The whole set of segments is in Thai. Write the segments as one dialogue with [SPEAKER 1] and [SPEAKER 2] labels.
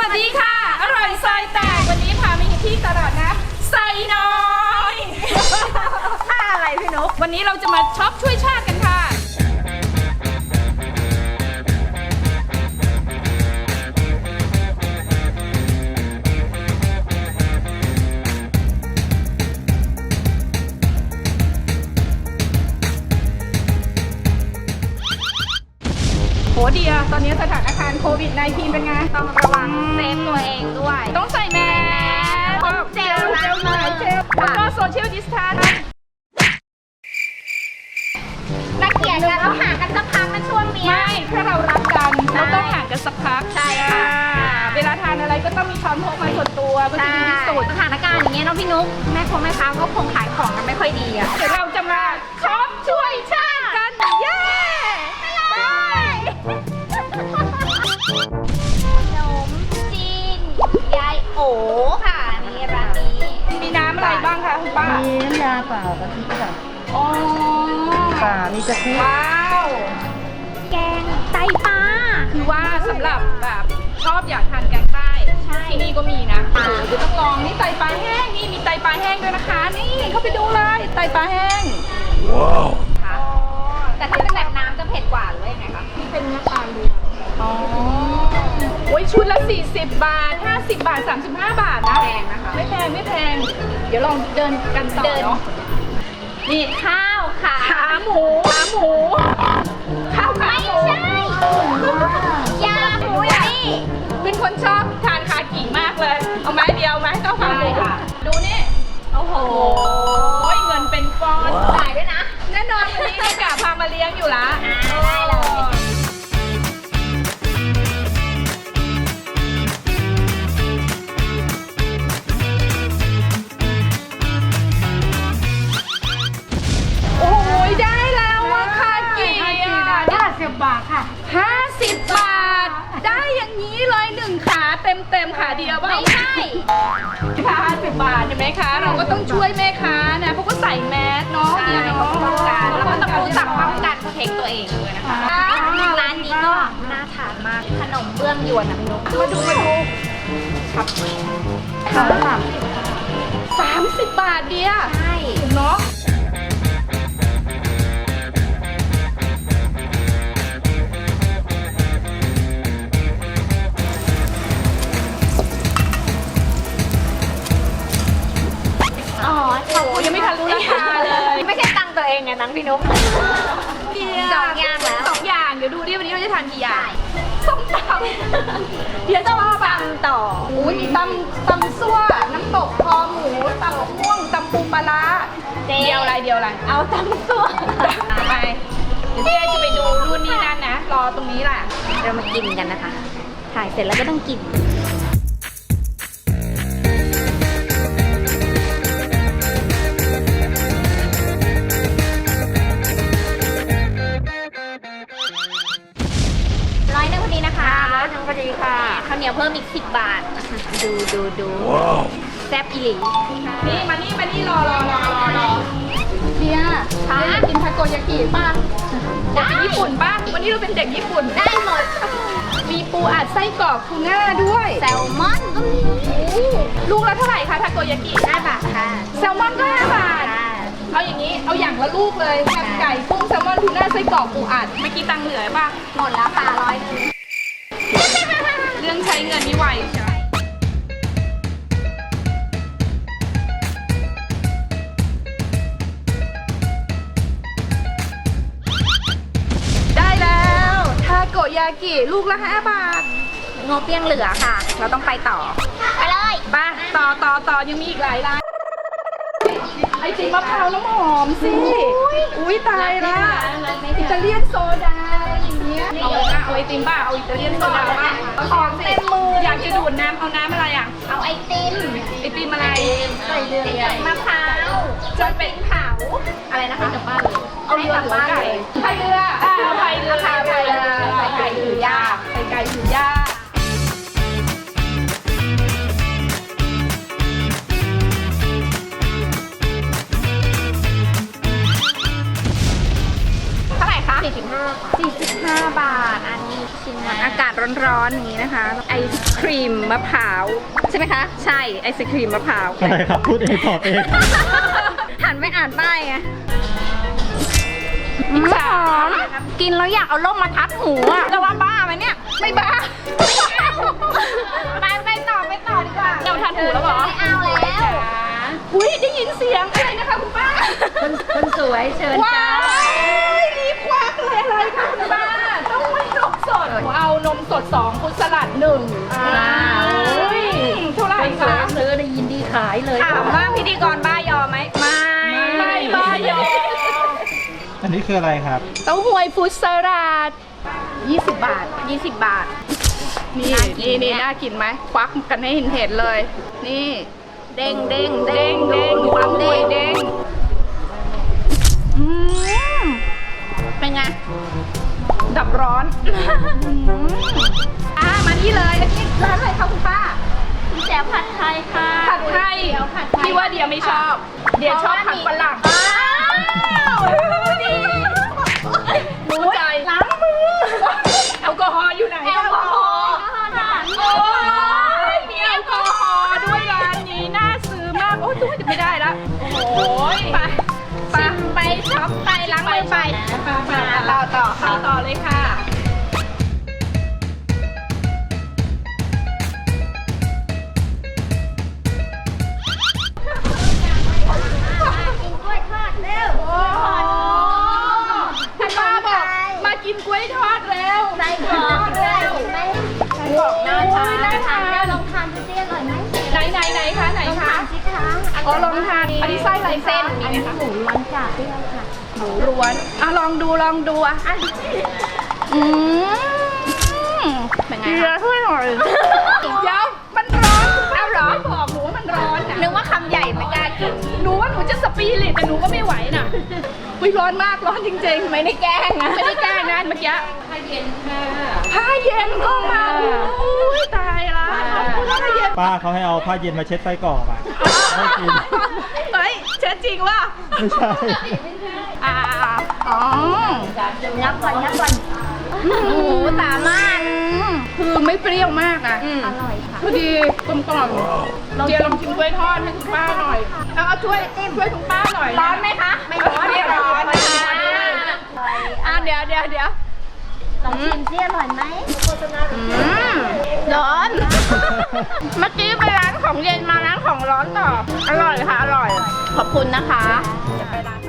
[SPEAKER 1] วัสดีค่ะอร่อยซอยแตกวันนี้พามาที่ตลาดนะไซน้อยค่าอะไรพี่นุ๊กวันนี้เราจะมาช็อปช่วยชาติกันค่ะโหเดียตอนนี้สถานการณ์โควิด -19 เป็นไง
[SPEAKER 2] ต้องระวังเซฟตัวเองด้วย
[SPEAKER 1] ต้องใส่แมส
[SPEAKER 2] เจล
[SPEAKER 1] หน่อยเจลแล้วก็โซเชียลดิสแทนซ์
[SPEAKER 2] นักเกียรติกันแล้วห่างกันสักพักนะช่วงนี้
[SPEAKER 1] ไม่ถ้าเรารักกันเราต้องห่างกันสักพัก
[SPEAKER 2] ใช่ค่ะ
[SPEAKER 1] เวลาทานอะไรก็ต้องมีช้อนพกมาส่วนตัวก็จะดีที่สุด
[SPEAKER 2] สถานการณ์อย่างเงี้ยน้องพี่นุ๊กแม่ค้าก็คงขายของกันไม่ค่อยดีอ่ะ
[SPEAKER 1] เดี๋ยวเราจะมาช็อปช่วยชาติกันเย้ไป
[SPEAKER 2] ขนมจีนยายโอค่ะนี่ร้านนี้
[SPEAKER 1] มีน้ำอะไรบ้างคะคุณป้า
[SPEAKER 3] มีน้ำยาเปล่ากะทิค่ะ
[SPEAKER 1] อ๋อ
[SPEAKER 3] ป่ามีกะทิ
[SPEAKER 1] ว้าว
[SPEAKER 2] แกงไตปลา
[SPEAKER 1] คือว่าสำหรับแบบชอบอยากทานแกงใต้ที่นี่ก็มีนะโอ้โหเดี๋ยวต้องลองนี่ไตปลาแห้งนี่มีไตปลาแห้งด้วยนะคะนี่เข้าไปดูเลยไตปลาแห้ง
[SPEAKER 3] ว้าว
[SPEAKER 2] ค่ะแต่ถ้าเป็นแบบน้ำจะเผ็ดกว่าหรือยังไงคะ
[SPEAKER 1] ที่เป็นเนื้อปลาล้วนอ๋อโอ้ยชุดละ40 บาท50 บาท35 บาทนะ
[SPEAKER 2] แพงนะคะ
[SPEAKER 1] ไม่แพงเดี๋ยวลองเดินกันต่อเนาะ
[SPEAKER 2] นี่ข้าวค่ะ
[SPEAKER 1] ขาหมูข้าวขาหมู
[SPEAKER 2] ไม่ใช่ยาหมูอย่างนี้
[SPEAKER 1] เป็นคนชอบทานคากิมากเลยเอาไม้เดียวไหมข้าวขาหมูดูนี่
[SPEAKER 2] โอ้โห
[SPEAKER 1] เงินเป็นก้อน
[SPEAKER 2] จ่ายด้วยนะ
[SPEAKER 1] แน่นอนวันนี้แม่กะพามาเลี้ยงอยู่ละ
[SPEAKER 2] ได้เลย
[SPEAKER 1] โอ้ยได้แล้วอะคากิ
[SPEAKER 3] 50 บาทค่ะ
[SPEAKER 1] 50 บาทได้อย่างนี้เลย1ขาเต็มขาเดียว
[SPEAKER 2] ไม่ใช่
[SPEAKER 1] 50 บาทใช่ไหมคะเราก็ต้องช่วยแม่ค้านะเพราะก็ใส่แมสเนาะเนี่ยเนาะ
[SPEAKER 2] แล้วก็ต้องรู้จักป้องกันเทคตัวเองด้วยนะคะร้านนี้ก็น่าทานมากขนมเบื้องยวนนะพี่นุ๊ก
[SPEAKER 1] มาดูครับ30 บาทเดียว
[SPEAKER 2] ใช่
[SPEAKER 1] เนาะยังไม่ทันรู้ราคาเลย
[SPEAKER 2] ไม่ใช่ตังตัวเองไงนังพี่นุ๊ก2 อย่างแล้ว
[SPEAKER 1] 2 อย่างเดี๋ยวดูดิวันนี้เราจะทานกี่อย่างส้มตำเดี๋ยวจะมาบัง
[SPEAKER 2] ต่อ
[SPEAKER 1] อุ้ยมีตำซั่วน้ำตกคอหมูตำมะม่วงตำปูปลาร้าเดียวอะไร
[SPEAKER 2] เอาตำซั่ว
[SPEAKER 1] ไปเดี๋ยวจะไปดูรุ่นนี้นั่นนะรอตรงนี้แหละ
[SPEAKER 2] เรามากินกันนะคะถ่ายเสร็จแล้วก็ต้องกิน100 พอดีนะคะ
[SPEAKER 1] 100 พอดีค่ะ
[SPEAKER 2] ข้าวเหนียวเพิ่มอีก10 บาทดูแซ่บอีหลี
[SPEAKER 1] นี่มานี่รอเนี่ยกินทาโกยากิป่ะเด็กญี่ปุ่นป่ะวันนี้เราเป็นเด็กญี่ปุ่น
[SPEAKER 2] ได้หมด
[SPEAKER 1] มีปูอัดไส้กรอกทูน่าด้วย
[SPEAKER 2] แซลมอนก็มี
[SPEAKER 1] ลูกละเท่าไหร่คะทาโกยากิ
[SPEAKER 2] 5 บาทค่ะ
[SPEAKER 1] แซลมอนก็5 บาทเอาอย่างนี้เอาอย่างละลูกเลยแฮมไก่กุ้งแซลมอนทูน่าไส้กรอกปูอัดเมื่อกี้ตังค์เหลือป่ะ
[SPEAKER 2] หมดแล้วค่ะ100
[SPEAKER 1] เรื่องใช้เงินนี่ไวใช่ได้แล้วทาโกยากิลูกละ5 บาท
[SPEAKER 2] งบยังเหลือค่ะเราต้องไปต่อไปเลย
[SPEAKER 1] ป่ะต่อยังมีอีกหลายร้านไอติมมะพร้าวน้ำหอมสิอุ้ยตายละอิตาเลียนโซดาอย่างเงี้ยเอาไอติมป่ะเอาอิตาเลียนโซดาป่ะของเต็มมืออยากจะดูดน้ำเอาน้ำอะไรอ่ะ
[SPEAKER 2] เอาไอติม
[SPEAKER 1] อะไร
[SPEAKER 2] ใส่เดือยมะพร้าว
[SPEAKER 1] จะเป็นเผา
[SPEAKER 2] อะไรนะคะกลับบ้านเลย
[SPEAKER 1] เอาเรือหรือไก่พายเรือพายเรือค่ะพายเรือใส่ไก่ถือยากใส่ไก่ถือยาก
[SPEAKER 2] 45 บาทอันนี้ชิ้นอากาศร้อ
[SPEAKER 1] ร้อนๆนี้นะคะ ไอศครีมมะพร้าวใช่ไหมคะ ใช่ไอศครีมมะพร้าว
[SPEAKER 4] อะไรครับพูดเองตอบเอง
[SPEAKER 2] หันไม่อ่านป้ายไง
[SPEAKER 1] อิจฉา
[SPEAKER 2] กินแล้วอยากเอาล่มมาทับหูอะจะว่าบ้าไหมเนี่ย
[SPEAKER 1] ไม่บ้า
[SPEAKER 2] ไปต่อดีกว่า
[SPEAKER 1] เราทันหูแล้วเหรอ
[SPEAKER 2] ไม่เอาแล้ว
[SPEAKER 1] อุ้ยได้ยินเสียงอะไรนะคะคุณป้า
[SPEAKER 3] คนสวยเชิญ
[SPEAKER 1] ว้า
[SPEAKER 3] จ้า
[SPEAKER 1] ยรีบควักเลยอะไรคะคุณป้าต้องไม่นมสดเอานมสด2คุณสลัด1อุ้ยเท่าไหร่
[SPEAKER 3] คนสว
[SPEAKER 1] คะ
[SPEAKER 3] ยซื้อได้ยินดีขายเลย
[SPEAKER 2] ถามว่าพิธีกรบ้ายอมไหมไม่
[SPEAKER 1] ไม่บ้ายอ
[SPEAKER 4] อันนี้คืออะไรครับ
[SPEAKER 1] เต้าหวยฟุตสลัด20 บาท
[SPEAKER 2] 20 บาท
[SPEAKER 1] นี่
[SPEAKER 2] น่ากิน
[SPEAKER 1] นี่
[SPEAKER 2] เนี่ย
[SPEAKER 1] น่ากินไหมควักกันให้เห็นเลย นี่
[SPEAKER 2] เด้งเด้ง
[SPEAKER 1] เด้งเด้งความหวยเด้งอืม
[SPEAKER 2] เป็นไง
[SPEAKER 1] ดับร้อนมานี่เลยอันนี้ร้านอะไรคะคุณป้า
[SPEAKER 2] แจ่วผัดไทยค่ะ
[SPEAKER 1] ผัดไทยพี่ว่าเดียไม่ชอบ เดียชอบผัดฝรั่งรู้ใจล้างมือแอลกอฮอล์อยู่ไหน
[SPEAKER 2] แอลกอฮอล์ค่ะ
[SPEAKER 1] โอ้ยมีแอลกอฮอล์ด้วยร้านนี้น่าซื้อมากโอ้ยตู้จะไม่ได้ละโอ้ยไป
[SPEAKER 2] ชิมไปช็อปไปล้างมือไป
[SPEAKER 1] ต่อเลยค่ะ
[SPEAKER 2] กินกล้วยทอดเร็ว
[SPEAKER 1] คุณป้าบอกมากินกล้วยทอดเร็ว
[SPEAKER 2] ใส่กรอกด้วยไหม
[SPEAKER 1] ใส่กรอกน่าทาน
[SPEAKER 2] น่าทานลองทานดูสิอร่อยไหม
[SPEAKER 1] ไหนคะไหน
[SPEAKER 2] ลอง
[SPEAKER 1] คะ
[SPEAKER 2] ทานสิคะ
[SPEAKER 1] อ๋อลองทานอันนี้ไส้ลายเส้นมีไหมคะ
[SPEAKER 2] หมูล้วนจากเปรี้ยวค่ะ
[SPEAKER 1] หมูล้วนอ่ะลองดูอ่ะเป็นไงคะช่วยหน่อยเดี๋ยวมันร้อนเอาเหรอบอกหนูว่ามันร้อนนะ
[SPEAKER 2] นึกว่าคำใหญ่ไม่กล้ากิน
[SPEAKER 1] หนูว่าหนูจะสปีริตแต่หนูก็ไม่ไหวน่ะอุ้ยร้อนมากร้อนจริงๆไม่ได้แกล้งนะไม่ได้แกล้งนะเมื่อกี้ผ้าเย็นค่ะผ้าเย็นก็มาอุ้ยตายละผ้าเย็น
[SPEAKER 4] ป้าเขาให้เอาผ้าเย็นมาเช็ดไส้กรอกอ่ะไม่กิน
[SPEAKER 1] เฮ้ยเช็ดจริงว่ะ
[SPEAKER 4] ไม่ใช่
[SPEAKER 1] อ๋อ
[SPEAKER 2] ยับก่อนโอ้โหสามารถ
[SPEAKER 1] คือไม่เปรี้ยวมากอ่ะ
[SPEAKER 2] อร่อยค่ะ
[SPEAKER 1] พอดีกลมกล่อมเดี๋ยวลองชิมกล้วยทอดให้คุณป้าหน่อยเอาช่วยคุณป้าหน่อย
[SPEAKER 2] ร้อนไหมคะ
[SPEAKER 1] ไม่ร้อนไม่ร้อน เดี๋ยว
[SPEAKER 2] ลองชิมสิอร่อยไหม
[SPEAKER 1] ร้อน เมื่อกี้ไปร้านของเย็นมาร้านของร้อนต่อ อร่อยค่ะ อร่อย ขอบคุณนะคะจะไปร้าน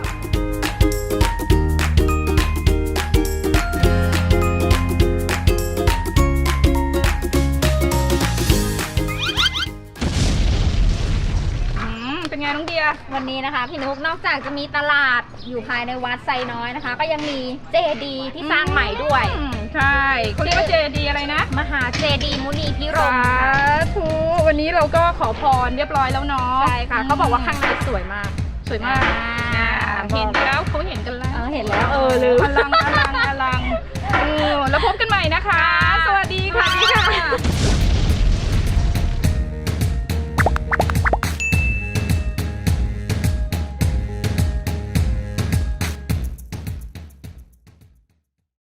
[SPEAKER 1] เป็นไงน้องเดีย
[SPEAKER 2] วันนี้นะคะพี่นุ๊กนอกจากจะมีตลาดอยู่ภายในวัดไซน้อยนะคะ ก็ยังมีเจดีย์ที่สร้างใหม่ด้วย
[SPEAKER 1] ใช่เขาเรียกว่าเจดีอะไรนะ
[SPEAKER 2] มหาเจดีย์มุนีพิร
[SPEAKER 1] สาม
[SPEAKER 2] ค่ะ
[SPEAKER 1] ธุวันนี้เราก็ขอพรเรียบร้อยแล้วเนาะ
[SPEAKER 2] ใช่ค่ะเขาบอกว่าข้างในสวยมาก
[SPEAKER 1] สวยมากเห็นแล้วเขาเห็นกันแล้ว
[SPEAKER 2] เห็นแล้ว
[SPEAKER 1] ลืมอลังแล้วพบกันใหม่นะคะ สวัสดีค่ะ